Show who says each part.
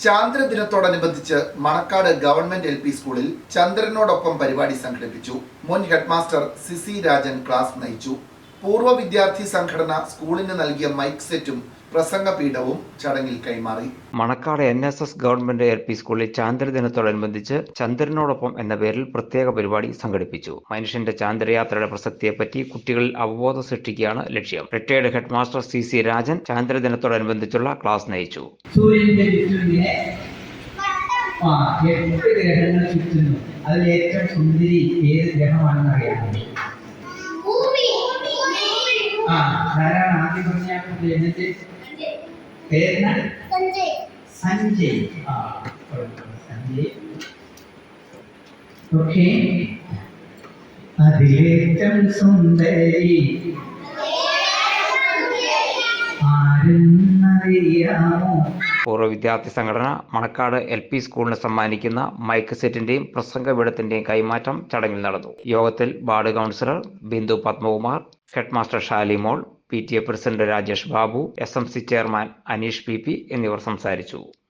Speaker 1: ചാന്ദ്രദിനത്തോടനുബന്ധിച്ച് Manacaud government LP സ്കൂളിൽ ചന്ദ്രനോടൊപ്പം പരിപാടി സംഘടിപ്പിച്ചു. മുൻ ഹെഡ്മാസ്റ്റർ സിസി രാജൻ ക്ലാസ് നയിച്ചു. പൂർവ്വ വിദ്യാർത്ഥി സംഘടന സ്കൂളിന് നൽകിയ മൈക്ക് സെറ്റും പ്രസംഗപീഠവും ചടങ്ങിൽ കൈമാറി.
Speaker 2: മണക്കാട് NSS ഗവൺമെന്റ് LP സ്കൂളിൽ ചാന്ദ്രദിനത്തോടനുബന്ധിച്ച് ചന്ദ്രനോടൊപ്പം എന്ന പേരിൽ പ്രത്യേക പരിപാടി സംഘടിപ്പിച്ചു. മനുഷ്യന്റെ ചാന്ദ്രയാത്രയുടെ പ്രസക്തിയെപ്പറ്റി കുട്ടികളിൽ അവബോധം സൃഷ്ടിക്കുകയാണ് ലക്ഷ്യം. റിട്ടയർഡ് ഹെഡ്മാസ്റ്റർ CC രാജൻ ചാന്ദ്രദിനത്തോടനുബന്ധിച്ചുള്ള ക്ലാസ് നയിച്ചു.
Speaker 3: സൂര്യന്റെ ചുറ്റുമിങ്ങനെ 8 ഗ്രഹങ്ങൾ ചുറ്റുന്നു. അതിൽ ഏറ്റവും സുന്ദരി ഏത് ഗ്രഹമാണെന്ന് അറിയാമോ? ധാരാളം ആദ്യം പറഞ്ഞ സഞ്ജയ്. സഞ്ജയ്. ഓക്കെ. അതിലേറ്റം സുന്ദരി ആരെന്നറിയാമോ?
Speaker 2: പൂർവ്വ വിദ്യാർത്ഥി സംഘടന മണക്കാട് LP സ്കൂളിന് സമ്മാനിക്കുന്ന മൈക്ക് സെറ്റിന്റെയും പ്രസംഗപീഠത്തിന്റെയും കൈമാറ്റം ചടങ്ങിൽ നടന്നു. യോഗത്തിൽ ward councillor Bindu Padmakumar, headmaster Shalimol, PTA president Rajesh Babu, SMC chairman Aneesh PP എന്നിവർ സംസാരിച്ചു.